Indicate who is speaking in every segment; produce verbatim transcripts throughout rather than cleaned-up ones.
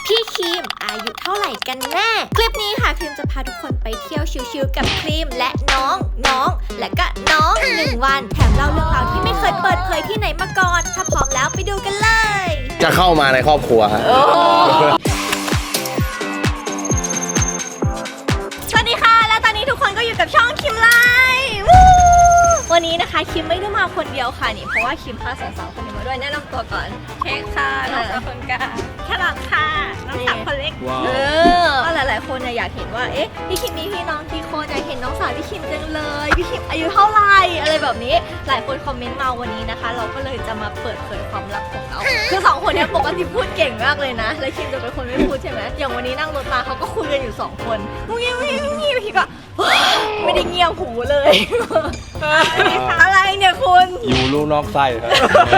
Speaker 1: พี่ครีมอายุเท่าไหร่กันแน่คลิปนี้ค่ะครีมจะพาทุกคนไปเที่ยวชิลๆกับครีมและน้องน้องและก็น้องหนึ่งวันแถมเล่าเรื่องราวที่ไม่เคยเปิดเผยที่ไหนมาก่อนถ้าพร้อมแล้วไปดูกันเลย
Speaker 2: จะเข้ามาในครอบครัวฮะ
Speaker 1: สวัสดีค่ะและตอนนี้ทุกคนก็อยู่กับช่องคิมไลฟ์วันนี้นะคะคิมไม่ได้มาคนเดียวค่ะนี่เพราะว่าคิมพาสาวๆคนนี้มาด้วยแนะนำตัวก่อน
Speaker 3: เค้กค่ะน้องสาวคนกลางแครอทค่ะน้องสาวคนเล็ก
Speaker 1: เออก็หลายๆคนเนี่ยอยากเห็นว่าเอ๊ะพี่คิมมีพี่น้องกี่คนอยากเห็นน้องสาวพี่คิมจังเลยพี่คิมอายุเท่าไหร่อะไรแบบนี้หลายคนคอมเมนต์มาวันนี้นะคะเราก็เลยจะมาเปิดเผยความลับของเราคือสองคนนี้ปกติพูดเก่งมากเลยนะแล้วคิมจะเป็นคนไม่พูดใช่ไหมอย่างวันนี้นั่งรถมาเขาก็คุยกันอยู่สองคนงูเงี้ยงูเงี้ยงูเงี้ยพี่ก็ไม่ได้เงียบหูเลยอะไรเนี่ยคุณ
Speaker 2: อยู่ลูกนอกไส้ครับ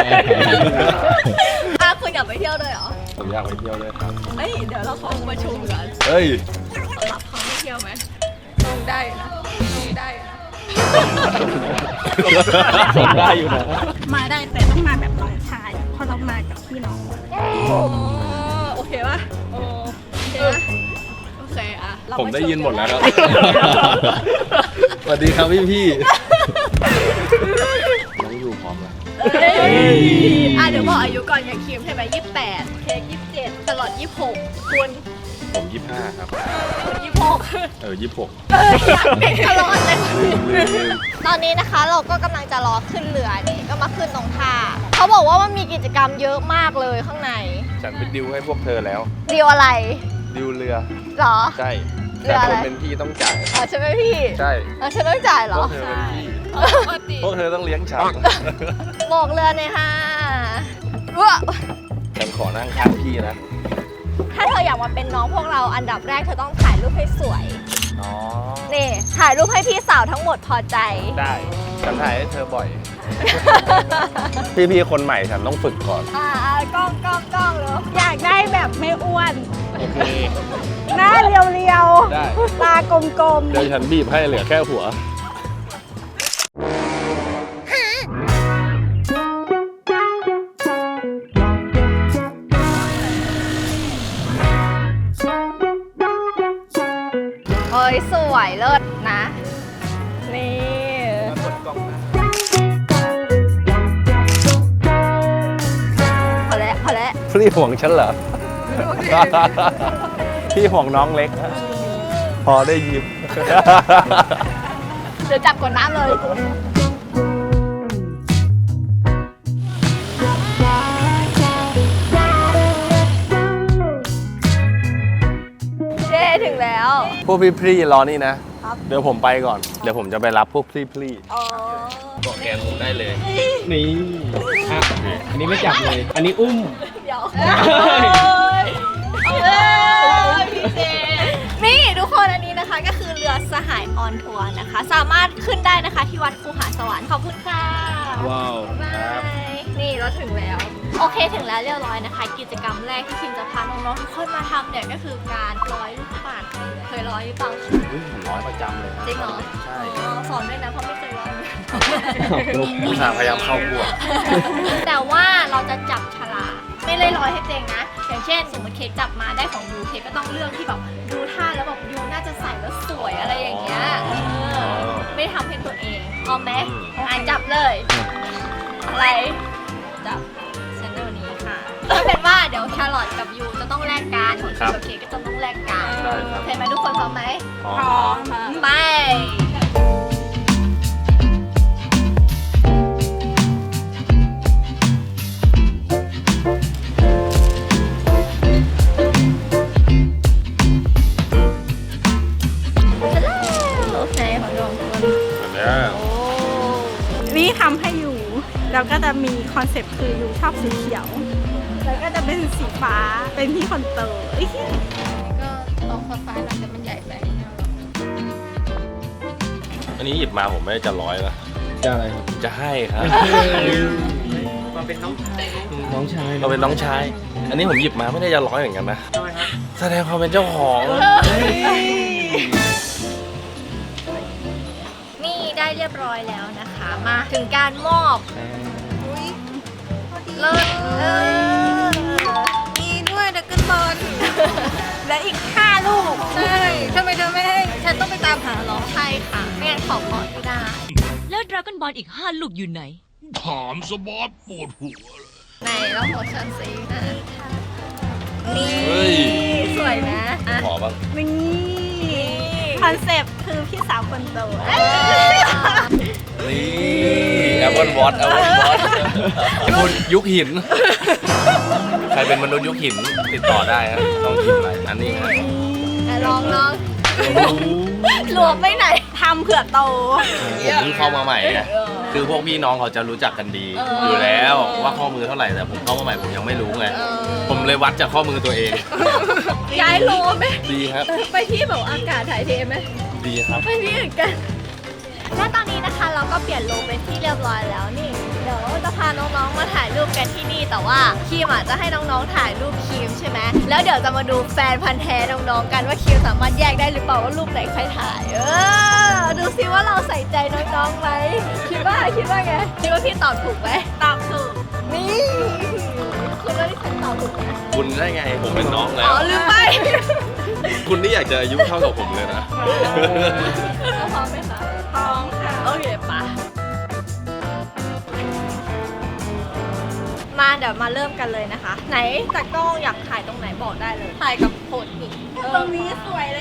Speaker 1: อ่ะคุณอยากไปเที่ยวเลยเหรอ
Speaker 2: ผมอยากไปเที่ยวเลยครับ
Speaker 1: เฮ้ยเดี๋ยวเราขอประชุมก่อน
Speaker 2: เฮ้ย
Speaker 1: สำหรับเขาไม่เที่ยวไหมลงได้นะลงได้นะ
Speaker 2: ได้อยู่นะ
Speaker 3: มาได้แต่ต้องมาแบบน้องชายเพราะเรามากับพี่น้อง
Speaker 1: โอเคป่ะโอเคป่ะโอเคอ่ะ
Speaker 2: ผมได้ยินหมดแล้วครับสวัสดีครับพี่พี่น้องอยู่พร้อมแล้ว
Speaker 1: อ่ะเดี๋ยวบอกอายุก่อนอย่างคิมใช่ไหมยี่สิบแปดเค้กยี่สิบเจ็ดตลอดยี่สิบหกคุณ
Speaker 2: ผมยี่สิบห้าครับ
Speaker 1: ยี่สิบหก
Speaker 2: เออยี่สิบหก
Speaker 1: เอออยากเป็นตลอดเลยตอนนี้นะคะเราก็กำลังจะรอขึ้นเรือนี่ก็มาขึ้นตรงท่าเขาบอกว่ามันมีกิจกรรมเยอะมากเลยข้างใน
Speaker 2: ฉันเป็นดิวให้พวกเธอแล้ว
Speaker 1: ดิวอะไร
Speaker 2: ดิวเรือ
Speaker 1: หรอ
Speaker 2: ใช่แต่คนเป็นพี่ต้องจ่าย
Speaker 1: อ๋อฉันเป็นพี่
Speaker 2: ใช่
Speaker 1: อ๋อฉันต้องจ่ายเหรอ
Speaker 2: พวกเธอเป็นพี่พวกเธอต้องเลี้ยงฉัน
Speaker 1: บอกเรือหน่อยค่ะว้า
Speaker 2: ฉันขอนั่งข้างพี่นะ
Speaker 1: ถ้าเธออยากมาเป็นน้องพวกเราอันดับแรกเธอต้องถ่ายรูปให้สวย
Speaker 2: อ๋อ
Speaker 1: นี่ถ่ายรูปให้พี่สาวทั้งหมดพอใจ
Speaker 2: ได้ฉันถ่ายให้เธอบ่อยพี่ๆคนใหม่ฉันต้องฝึกก่อน
Speaker 1: อ่ากล้องกล้องกล้องเลย
Speaker 3: อยากได้แบบไม่อ้วน
Speaker 2: โอเค
Speaker 3: หน้าเรียวๆ
Speaker 2: ได้
Speaker 3: ตากลมๆ
Speaker 2: เดี๋ยวฉันบีบให้เหลือแค่หัว
Speaker 1: เฮ้ยสวยเลิศนะนี่พอแล้วพอแล้ว
Speaker 2: พี่ห่วงฉันเหรอพี่ห่วงน้องเล็กพอได้ยิ้ม
Speaker 1: เดี๋ยวจับกดน้ำเลยเย้ถึงแล้ว
Speaker 2: พวกพี่ๆรอนี่นะเดี๋ยวผมไปก่อนเดี๋ยวผมจะไปรับพวกพี่ๆบอกแกนผมได้เลย
Speaker 4: นี่อ่ะอันนี้ไม่จับเลยอันนี้อุ้ม
Speaker 1: เดี๋ยวพี่เจนี่ทุกคนอันนี้นะคะก็คือเรือสหายออนทัวร์นะคะสามารถขึ้นได้นะคะที่วัดคูหาสวรรค์ขอบคุณค่ะ
Speaker 4: ว้าว
Speaker 1: บายนี่เราถึงแล้วโอเคถึงแล้วเรียบร้อยนะคะกิจกรรมแรกที่คิมจะพาน้องๆทุกคนมาทำเนี่ยก็คือการร้อยลูกปัดเคยร้อยหรือเปล่า
Speaker 2: ผมร้อยประจำเลย
Speaker 1: จริงเหรอ
Speaker 2: ใช่
Speaker 1: สอนด้วยนะเพราะไม่เคยร้อย
Speaker 2: ผู้ชายพยายามเข้าพวก
Speaker 1: แต่ว่าเราจะจับฉลากไม่ได้ร้อยให้เองนะอย่างเช่นสมมติเค้กจับมาได้ของยูเค้กก็ต้องเลือกที่แบบดูท่าแล้วแบบยูน่าจะใส่แล้วสวยอะไรอย่างเงี้ยไม่ทำให้ตัวเองพร้อมไหมอ่ะจับเลยอะไรจับเซนเตอร์นี้ค่ะก็เป็นว่าเดี๋ยวแครอทกับยูจะต้องแลกกันของคิมกับเค้กก็จะต้องแลกกันโอเคไหมทุกคนพร้อมไหม
Speaker 3: พร้อมค่ะ
Speaker 1: ไป
Speaker 3: นี่ทำให้อยู่แล้วก็จะมีคอนเซ็ปต์คืออยู่ชอบสีเขียวแล้วก็จะเป็นสีฟ้าเป็นพี่คนโต
Speaker 1: ก็ตองฟ้าๆเราจะมันใหญ่ไป
Speaker 2: อันนี้หยิบมาผมไม่ได้จะร้อยนะ
Speaker 4: จะอะไรครับ
Speaker 2: จะให้ครับ
Speaker 4: มาเป็นน้องชายน้องชาย
Speaker 2: เราเป็นน้องชายอันนี้ผมหยิบมาไม่ได้จะร้อยเหมือนกันนะแสดงความเป็นเจ้าของ
Speaker 1: ได้เรียบร้อยแล้วนะคะมาถึงการมอบอุ้ยเลิศเออมีด้วยดักเกิลบอลของพอไม่ได้
Speaker 5: แล้วดราก้อนบอลอีกห้าลูกอยู่ไหน
Speaker 6: ถามสบอสปวดหัวเลย
Speaker 1: ในแล้วโมชั่นซีนะนี่
Speaker 2: เฮ้ย
Speaker 1: สวยนะอ่ะ
Speaker 2: ขอบ้าง
Speaker 3: นี่คอนเซปต์คือพี่สาวคนโต
Speaker 2: นี่แอปเปิลวอตแอปเปิลวอตคุณยุคหิน ใครเป็นมนุษย์ยุคหินติดต่อได้ฮะต้องกินอะไรอันนี้ฮะ
Speaker 1: อ่ะลองลองหลวมไปไหน
Speaker 3: ทำเผื่อโต
Speaker 2: ผมเพิ่งเข้ามาใหม่ไงคือพวกพี่น้องเขาจะรู้จักกันดี อยู่แล้วว่าข้อมือเท่าไหร่แต่ผมเข้ามาใหม่ผมยังไม่รู้ไง ผมเลยวัดจากข้อมือตัวเอง
Speaker 1: ย้ายโลไหม
Speaker 2: ดีครับ
Speaker 1: ไปที่แบบอากาศถ่ายเทไหม
Speaker 2: ดีครับ
Speaker 1: ไปที่อื่นกัน และตอนนี้นะคะเราก็เปลี่ยนโลเป็นที่เรียบร้อยแล้วนี่ เดี๋ยวจะพาน้องๆมาถ่ายรูปกันที่นี่แต่ว่าคิมอ่ะจะให้น้องๆถ่ายรูปคิมใช่ไหมแล้วเดี๋ยวจะมาดูแฟนพันธ์แท้น้องๆกันว่าคิมสามารถแยกได้หรือเปล่าว่ารูปไหนใครถ่าย เออดูซิว่าเราใส่ใจน้องๆไหมคิดว่าคิดว่าไงคิดว่าพี่ตอบถูกไหม
Speaker 3: ตอบถูก
Speaker 1: นี่คุณว่าที่ฉันตอบถูกไหม
Speaker 2: คุณได้ไงผมเป็นน้องแล้
Speaker 1: อ๋
Speaker 2: ว
Speaker 1: อลืมไป
Speaker 2: คุณนี่อยากจะอายุเท่ากับผมเลยนะ
Speaker 1: พร้อมไหมคะ
Speaker 3: พร้อมค่ะ
Speaker 1: โอเคปะมาเดี๋ยวมาเริ่มกันเลยนะคะ ไหนตากล้องอยากถ่ายตรงไหนบอกได้เลย ถ่ายกับโพดหิน
Speaker 3: ตรงนี้สวยเลย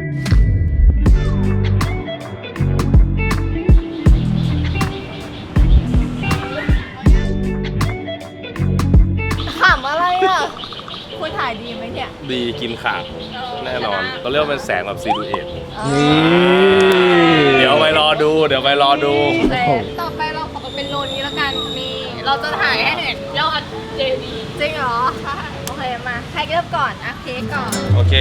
Speaker 1: ขำอะไรอ่ะ คุณถ่ายดีไหมเนี่ย
Speaker 2: ดีกินขาดแน่นอนเขาเรียกว่าเป็นแสงแบบซีดูเอทเดี๋ยวไปรอดู เดี๋ยวไปรอดู
Speaker 1: ต่อไปเราขอเป็นโลนี้แล้วกันมีเราจะถ่ายให้เห็นยอดเจดีย์จริงเหรอ ใช่ โอเคมา ใครเริ่มก่อนอ่ะเค้กก่อน
Speaker 2: โอเค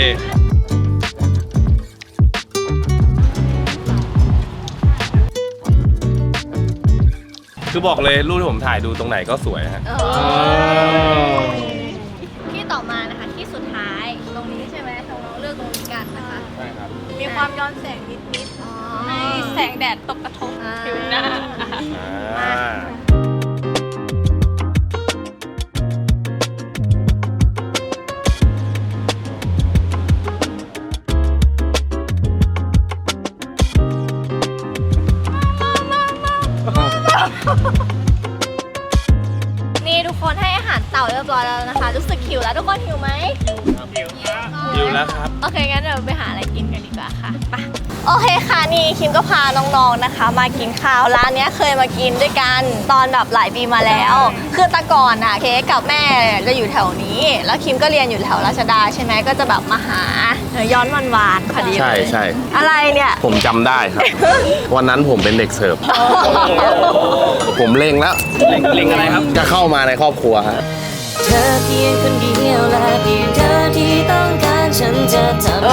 Speaker 2: คือบอกเลยรูปที่ผมถ่ายดูตรงไหนก็สวยฮะ
Speaker 1: ที่ต่อมานะคะที่สุดท้ายตรงนี้ใช่ไหมน้องๆเลือกตรงนี้กันนะคะ
Speaker 2: ใช่ครับ
Speaker 3: มีความย้อนแสงนิด
Speaker 1: อ๋อ
Speaker 3: ๆให้แสงแดดตกกระทบ
Speaker 1: อ่า
Speaker 3: ผิวหน้า
Speaker 2: อ่า
Speaker 1: นี่ทุกคนให้อาหารเต่าเรียบร้อยแล้วนะคะ รู้สึกหิวแล้วทุกคนหิวไหม
Speaker 2: อยู่แล้วครับ
Speaker 1: โอเคงั้นเดี๋ยวไปหาอะไรกินกันดีกว่าค่ะไปโอเคค่ะนี่คิมก็พาน้องๆนะคะ มากินข้าวร้านเนี้ยเคยมากินด้วยกันตอนแบบหลายปีมาแล้ว คือแต่ก่อนอ่ะเค้กกับแม่จะอยู่แถวนี้ แล้วคิมก็เรียนอยู่แถวราชดาใช่ไหมก็จะแบบมาหาย้อนวันวานๆพอดีเลย
Speaker 2: ใช่ใช่
Speaker 1: อะไรเนี่ย
Speaker 2: ผมจำได้ครับ วันนั้นผมเป็นเด็กเสิร์ฟ ผมเล็งแล้ว เล็งอะไรครับ จะเข้ามาในครอบครัวฮะ
Speaker 5: เธอเพียงคนเดียวและเพียงเธอที่ต้องการฉันจะทำ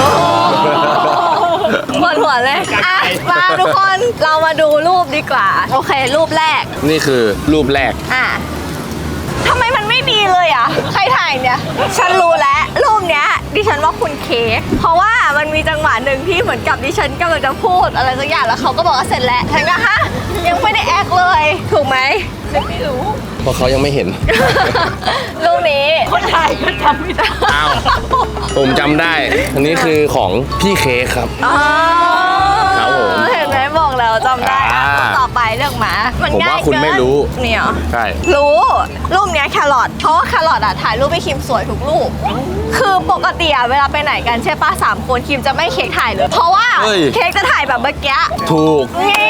Speaker 1: ปวดหัวเลยอ่ะมาทุกคนเรามาดูรูปดีกว่า โอเค รูปแรก
Speaker 2: นี่คือรูปแรก
Speaker 1: อ่ะทำไมมันไม่ดีเลยอ่ะ ใครถ่ายเนี่ย ฉันรู้แล้ว รูปเนี้ย ดิฉันว่าคุณเค้กเพราะว่ามันมีจังหวะหนึ่งที่เหมือนกับดิฉันกำลังจะพูดอะไรสักอย่างแล้วเขาก็บอกว่าเสร็จแล้วฉันก็ฮะยังไม่ได้แอคเลย ถูกไหมไม่รู้
Speaker 2: เพราะเขายังไม่เห็น
Speaker 1: รูปนี้คนถ่ายก็จำไม่ได้
Speaker 2: อ้าว ผมจำได้ อันนี้คือของพี่เค้กครับ
Speaker 1: อ๋อ
Speaker 2: ครับผม
Speaker 1: เห็นไหมบอกแล้วจำได้อ่ะ
Speaker 2: อ่า
Speaker 1: ต่อไปเรื่องหมามัน
Speaker 2: ผม
Speaker 1: ง่าย
Speaker 2: ว่าคุณ
Speaker 1: เกิน
Speaker 2: ไม่รู้
Speaker 1: เนี่ยเหรอ
Speaker 2: ใช่
Speaker 1: รู้รูปเนี้ยแครอทเพราะว่าแครอทอะถ่ายรูปให้คิมสวยทุกรูป คือปกติอะเวลาไปไหนกันใช่ป้าสามคนคิมจะไม่เค้กถ่ายเลย เพราะว่า
Speaker 2: เฮ้ย
Speaker 1: เค้กจะถ่ายแบบเมื่อกี้
Speaker 2: ถูก
Speaker 1: นี่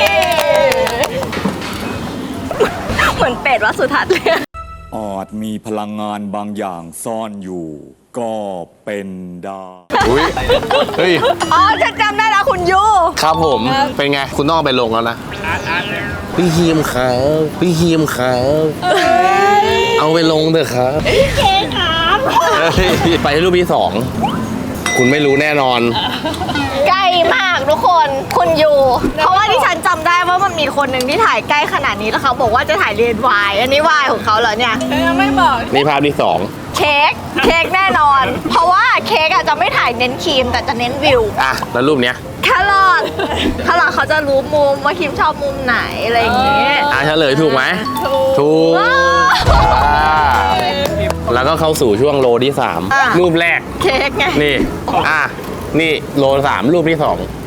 Speaker 1: เหมือนเป็ดวัดสุทัศน์เลย
Speaker 7: อาจมีพลังงานบางอย่างซ่อนอยู่ ก็เป็นได้
Speaker 2: อุ้ย เฮ้ย
Speaker 1: อ๋อฉันจำได้แล้วคุณยู
Speaker 2: ครับผม เป็นไง คุณต้องเอาไปลงแล้วนะ พี่ฮีมครับพี่ฮีมครับเอาไปลงเถอะครับ
Speaker 1: เค้กครับ
Speaker 2: เฮ้ยไปรูปที่สอง คุณไม่รู้แน่นอน
Speaker 1: ใกล้มากทุกคนคุณยูเพราะว่าที่ฉันจำได้ว่ามันมีคนหนึ่งที่ถ่ายใกล้ขนาดนี้แล้วเขาบอกว่าจะถ่ายเรียนวายอันนี้วายของเขาเหรอเนี่ย
Speaker 3: ยังไม่บอก
Speaker 2: นี่ภาพที่สอง
Speaker 1: เค้กเค้กแน่นอน เพราะว่าเค้กอาจจะไม่ถ่ายเน้นครีมแต่จะเน้นวิว
Speaker 2: อ่ะ แล้วรูปเนี้ย
Speaker 1: แครอทแครอทเขาจะรู้มุมว่าคิมชอบมุมไหนอะไรอย่างเงี้ย
Speaker 2: อ่ะเฉลยถูกไหม
Speaker 1: ถูก
Speaker 2: ถูก
Speaker 1: ว้าว
Speaker 2: อ่าแล้วก็เข้าสู่ช่วงโลที่สาม
Speaker 1: อ่ะ
Speaker 2: รูปแรก
Speaker 1: เค้กไง
Speaker 2: นี่ อ่ะ นี่โลสามรูปที่สอง
Speaker 1: ค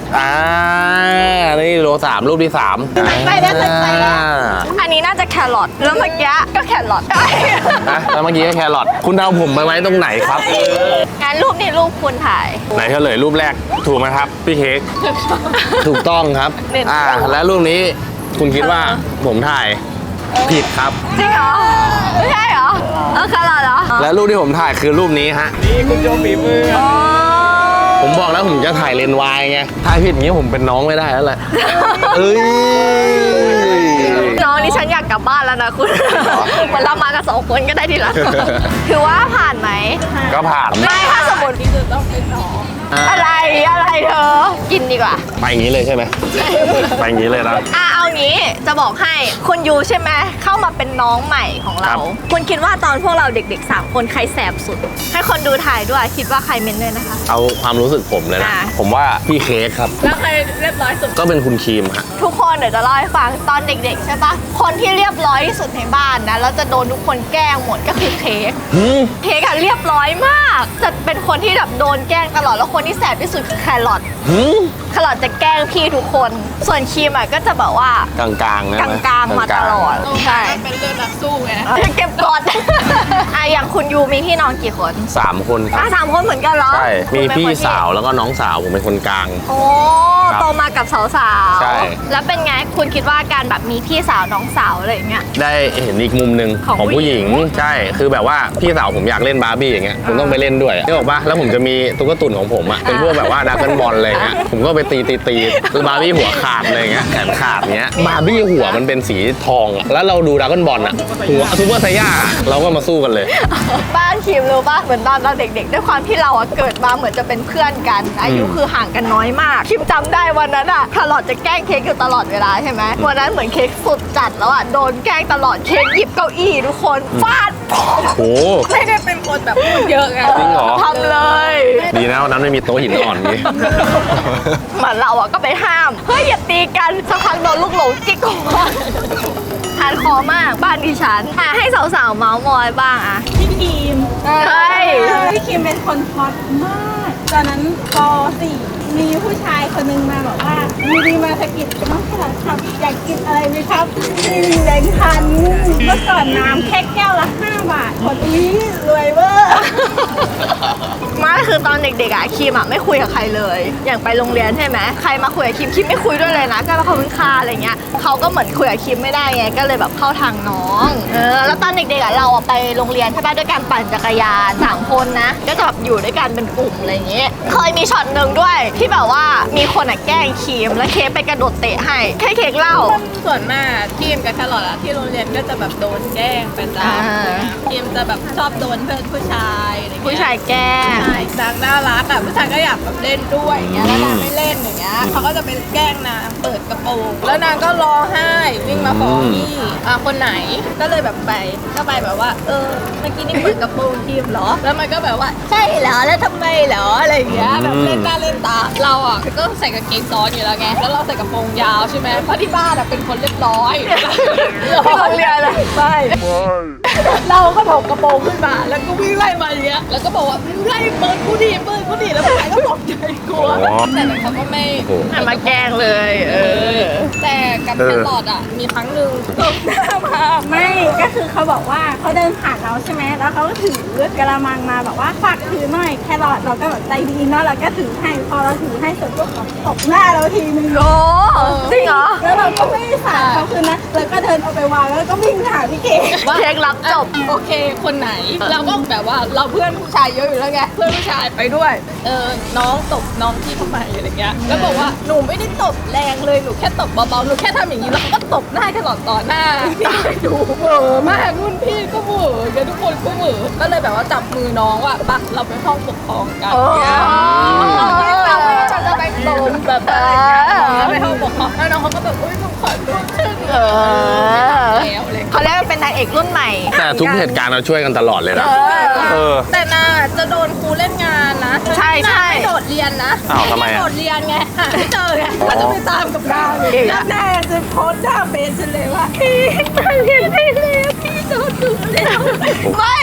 Speaker 2: อ่านี่โลสามรูปที่สาม
Speaker 1: ไปแล้วไปแล้วอันนี้น่าจะแครอทแล้วเมื่อกี้ก็แครอท
Speaker 2: นะแล้วเมื่อกี้ก็แครอทคุณเอาผมไปไว้ตรงไหนครับ
Speaker 1: งานรูปนี้รูปคุณถ่าย
Speaker 2: ไหนเฉลยรูปแรกถูกไหมครับพี่เค้กถูกต้องครับอ่าและรูปนี้คุณคิดว่าผมถ่ายผิดครับ
Speaker 1: จริงเหรอไม่ใช่เหรอเออแครอทเหรอ
Speaker 2: และรูปที่ผมถ่ายคือรูปนี้ฮะ
Speaker 4: นี่คุณโจฝีมือ
Speaker 1: อ๋อ
Speaker 2: ผมบอกแล้วผมจะถ่ายเลนส์วายไงถ่ายผิดอย่างนี้ผมเป็นน้องไม่ได้แล้วแหละเอ้ย
Speaker 1: น้องนี่ฉันอยากกลับบ้านแล้วนะคุณเหมือนเรามากันสองคนก็ได้ทีละคือว่าผ่านไหม
Speaker 2: ก็ผ่าน
Speaker 1: ไม่ถ้าสมมติที่จะต้องเป็นน้องอะไรอะไรเธอกินดีกว่า
Speaker 2: ไปอย่างนี้เลยใช่ไหมไปอย่างนี้เลยนะ
Speaker 1: อ่ะเอางี้จะบอกให้คุณยูใช่ไหมเข้ามาเป็นน้องใหม่ของ
Speaker 2: ค
Speaker 1: เรา
Speaker 2: รับ
Speaker 1: คุณคิดว่าตอนพวกเราเด็กๆสามคนใครแสบสุด ให้คนดูถ่ายด้วยคิดว่าใครเมนด้วยนะคะ
Speaker 2: เอาความรู้สึกผมเลยนะ
Speaker 1: อ่ะ
Speaker 2: ผมว่าพี่เค้กครับ
Speaker 1: แล้วใครเรียบร้อยสุด
Speaker 2: ก็เป็นคุณครีมฮะ
Speaker 1: ทุกคนเดี๋ยวจะเล่าให้ฟังตอนเด็กๆใช่ปะคนที่เรียบร้อยที่สุดในบ้านนะแล้วจะโดนทุกคนแกล้งหมดก็คือเค้ก
Speaker 2: หืม
Speaker 1: เค้กอะเรียบร้อยมากจะเป็นคนที่แบบโดนแกล้งตลอดแล้วคนที่แสบที่สุดคือแครอท
Speaker 2: หืม
Speaker 1: แครอทจะแกล้งพี่ทุกคน ส่วนครีมอะก็จะแบบว่าก
Speaker 2: ลางๆนะ
Speaker 1: กลางๆมาตลอดใช่
Speaker 3: เป็นเรื่องนักสู้ไง
Speaker 1: เก็บกด อ่ะอย่างคุณยูมีพี่น้องกี่คน
Speaker 2: สามคนค
Speaker 1: อ่ะ
Speaker 2: รับ
Speaker 1: สามคนเหมือนกันเหรอ
Speaker 2: ใช่มี
Speaker 1: คุณเป็น
Speaker 2: พี่
Speaker 1: คนที่
Speaker 2: สาวแล้วก็น้องสาวผมเป็นคนกลาง
Speaker 1: โอ้
Speaker 2: ครับ
Speaker 1: โตมากับสาวๆ
Speaker 2: ใช่
Speaker 1: แล้วเป็นไงคุณคิดว่าการแบบมีพี่สาวน้องสาวอะไรอย่างเงี้ย
Speaker 2: ได้เห็นอีกมุมหนึ่ง
Speaker 1: ของ
Speaker 2: ของผู้หญิง
Speaker 1: ผู้หญิง
Speaker 2: ใช่คือแบบว่าพี่สาวผมอยากเล่นบาร์บี้อย่างเงี้ยผมต้องไปเล่นด้วยนึกออกปะแล้วผมจะมีตุ๊กตุ่นของผมอ่ะเป็นพวกแบบว่าดราก้อนบอลอะไรเงี้ยผมก็ไปตีตีตีบาร์บี้หัวขาดอะไรเงี้ยแขนขาดเงี้ยบาร์บี้หัวมันเป็นสีทองอะแล้วเราดูดราก้อนบอลอ่ะหัวซูเปอร์ไซย่าเราก็มาสู้กันเลย
Speaker 1: บ้านคิมรู้ป่ะเหมือนตอนเราเด็กๆด้วยความที่เราอะเกิดมาเหมือนจะเป็นเพื่อนกัน อายุคือห่างกันน้อยมากคิมจำได้วันนั้นอะคาร์ลอตจะแกล้งเค้กอยู่ตลอดเวลาใช่ไหมวันนั้นเหมือนเค้กสุดจัดแล้วอะโดนแกล้งตลอดเค้กหยิบเก้าอี้ทุกคนฟาด
Speaker 2: โอ้
Speaker 3: ไม่ได้เป็นคนแบบพูดเยอะไง
Speaker 2: จริงเหรอ
Speaker 1: ทำเลย
Speaker 2: ดีนะวันนั้นไม่มีโต๊ะหินอ่อนนี่
Speaker 1: เหมือนเราอะก็ไปห้ามเฮ้ยอย่าตีกันสักพักโดนลูกหลงจิกหัวทานคอมากบ้านดิฉันอ่ะให้สาวๆเมาส์มอยบ้างอะ
Speaker 3: พี่คิม
Speaker 1: เฮ้ย
Speaker 3: พี่คิมเป็นคนฮอตมากตอนนั้นป สี่มีผู้ชายคนหนึงมาบอกว่ามีดีมาสะกิดน้องขนาดครับอยากกินอะไรไหมครับมีแบงค์พันเมื่อก่อนน้ำแค่แก้วละห้าบาทคนนี้รวยเวอร์
Speaker 1: ไมาคือตอนเด็กๆอะคิมอะไม่คุยกับใครเลย อย่างไปโรงเรียนใช่ไหมใครมาคุยกับคิมคิมไม่คุยด้วยเลยนะก็เขาเป็นค่าอะไรเงี้ยเขาก็เหมือนคุยกับคิมไม่ได้ไงก็เลยแบบเข้าทางน้องเออแล้วตอนเด็กๆอะเราอะไปโรงเรียนใช่ปะด้วยการปั่นจักรยานสามคนนะก็จะแบบอยู่ด้วยกันเป็นกลุ่มอะไรเงี้ยเคยมีช็อตหนึ่งด้วยที่แบบว่ามีคนอะแกล้งคิมแล้วเค้กไปกระโดดเตะให้แค่เค้กเล่า
Speaker 8: ส่วนมากทีมกับแครอทอะที่โรงเรียนก็จะแบบโดนแกล้งประจ
Speaker 1: อ่า
Speaker 8: ำทีมจะแบบชอบโดนเพื่อนผู้ชายอะไรเงี้ย
Speaker 1: ผู้ชายแกล้ง
Speaker 8: ใช่นางน่ารักอะผู้ชายก็อยากแบบเล่นด้วยอย่างเงี้ยแล้วนางไม่เล่นอย่างเงี้ยเขาก็จะไปแกล้งนางเปิดกระโปรงแล้วนางก็ร้องไห้วิ่งมาฟ้องพี่อ่ะคนไหนก็เลยแบบไปก็ไปแบบว่า เออเมื่อกี้นี่เปิดกระโปรงทีมเหรอ แล้วมันก็แบบว่าใช่เหรอแล้วทำไมเหรออะไรอย่างเงี้ยแบบเล่นหน้าเล่นตาเราอะก็ใส่กางเกงซ้อนอยู่แล้วไงแล้วเราใส่กระโปรงยาวใช่ไหมเพราะที่บ้านอะเป็นคนเรียบร้อย
Speaker 1: ที่โรงเรียนเลย
Speaker 8: ใช่เราก็ถกกระโปรงขึ้นมาแล้วก็วิ่งไล่มาอย่างเงี้ยแล้วก็บอกว่าไล่เปิดกูดิเปิดกูดิแล้วผู้ชายก็ตกใจกลัวแต่เขาก็ไม่
Speaker 1: หันมาแกล้งเลย เออ
Speaker 8: แต่กับแครอทอ่ะมีครั้งหนึ่งตกหน้ามา
Speaker 3: ไม่ก็คือเขาบอกว่าเขาเดินผ่านเราใช่ไหมแล้วเขาก็ถือกระมังมาบอกว่าฝากถือหน่อยแครอทเราก็แบบใจดีเนาะเราก็ถือให้พอเราถือให้เสร็จก็ตบหน้าเราทีนึง
Speaker 1: โอ้จริงเหรอ
Speaker 3: แล้วเราก็ไม่ได้สาดเขาคืนนะแล้วก็เดินเอาไปวางแล้วก็วิ่งหาพี่เก๋
Speaker 1: เค้กรับจบ
Speaker 8: โอเคคนไหน เราก็แบบว่าเราเพื่อนผู้ชายเยอะอยู่แล้วไงเพื่อนผู้ชายไปด้วยเออน้องตบน้องที่ทำไมอะไรเงี้ยแล้วบอกว่าหนูไม่ได้ตบแรงเลยหนูแค่ตบเบาๆหนูแค่ทำอย่างนี้แล้วเขาก็ตบหน้าแครอทต่อหน้าตายดูเหม่อมากรุ่นพี่ก็เหม่อกันทุกคนก็เหม่อก็เลยแบบว่าจับมือน้องว่าปะเราไปห้องปกครองกัน
Speaker 1: โอ้
Speaker 8: เราเราจะไปโดนแบบอะไรอย่างเงี้ยไปห้องปกครองแล้วน้องเขาก็แบบอุ้ยหนูขอโทษฉัน
Speaker 1: เออ
Speaker 8: แล้วอะไร
Speaker 1: เขาเรียกว่าเป็นนางเอกรุ่นใหม่
Speaker 2: แต่ทุกเหตุการณ์เราช่วยกันตลอดเลยนะเออ
Speaker 8: แต่นาจะโดนครูเล่นงานนะ
Speaker 1: ใช่ใช่
Speaker 8: นาไม่โดดเรียนนะ
Speaker 2: อ้าวทำไมอะ
Speaker 8: โดดเรียนไงหาไม่เจอไงเขาจะไปตามกับดาวเลย
Speaker 3: แล้วแม่จะโพสต์หน้าเฟซฉันเลยว่า
Speaker 1: พี่ตายเรียนไม่เลยพี่โดนดุแล้วไม่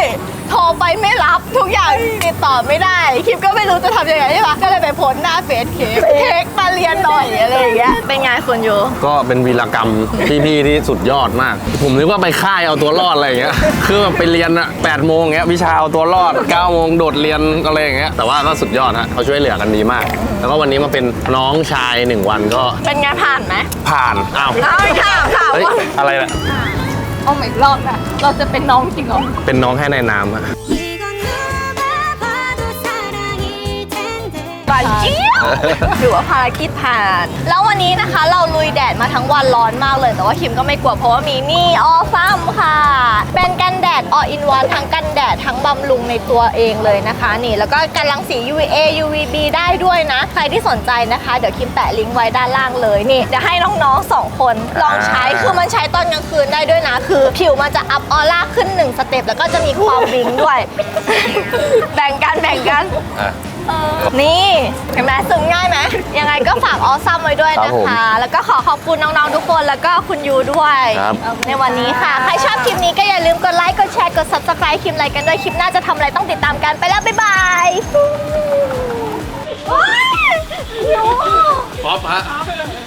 Speaker 1: โทรไปไม่รับทุกอย่างติดต่อไม่ได้คิมก็ไม่รู้จะทำยังไงใช่ปะก็เลยไปโพสต์หน้าเฟซเค้กเค้กมาเรียนหน่อยอะไรอย่างเงี้ยเป็นไงคุณยู
Speaker 2: ก็เป็นวีรกรรมพี่ๆที่สุดยอดมาก ผมนึกว่าไปค่ายเอาตัวรอดอะไรอย่างเงี้ยคือแบบไปเรียนอะแปดโมงเงี้ยวิชาเอาตัวรอดเก้าโมงโดดเรียนอะไรอย่างเงี้ยแต่ว่าก็สุดยอดฮะเขาช่วยเหลือกันดีมาก แล้วก็วันนี้มาเป็นน้องชายหนึ่งวันก็
Speaker 1: เป็นไงผ่านไหม
Speaker 2: ผ่านอ้าว
Speaker 1: เอาค่ะค่ะ
Speaker 2: เฮ้ยอะไรล่ะ
Speaker 1: เอาอีกรอบอะเราจะเป็นน้องจริงเหรอ
Speaker 2: เป็นน้องแค่ในนามฮะ
Speaker 1: บานเจี๊ยบถือว่าภารกิจผ่าน แล้ววันนี้นะคะเราลุยแดดมาทั้งวันร้อนมากเลย แต่ว่าคิมก็ไม่กลัวเพราะว่ามีนี่ออซัมค่ะ เป็นกันแดด all in one ทั้งกันแดดทั้งบำรุงในตัวเองเลยนะคะ นี่แล้วก็กันรังสี ยู วี เอ ยู วี บี ได้ด้วยนะ ใครที่สนใจนะคะเดี๋ยวคิมแปะลิงก์ไว้ด้านล่างเลยนี่เดี๋ยวให้น้องๆสองคนลองใช้คือมันใช้ตอนกลางคืนได้ด้วยนะ คือผิวมันจะอัพออร่าขึ้นหนึ่งสเต็ปแล้วก็จะมีความวิงด้วย แบ่งกันแบ่งกัน นี่เห็นไหมซึมง่ายไหมยังไงก็ฝากออซัมไว้ด้วยนะคะ แล้วก็ขอขอบคุณน้องๆทุกคนแล้วก็คุณยูด้วย
Speaker 2: ครับ
Speaker 1: ในวันนี้ค่ะ ใครชอบคลิปนี้ก็อย่าลืมกดไลค์กดแชร์กด ซับสไครบ์ คลิปอะไรกันด้วยคลิปหน้าจะทำอะไรต้องติดตามกันไปแล้ว บ๊ายบายว้ายยู
Speaker 2: ป๊อปฮะ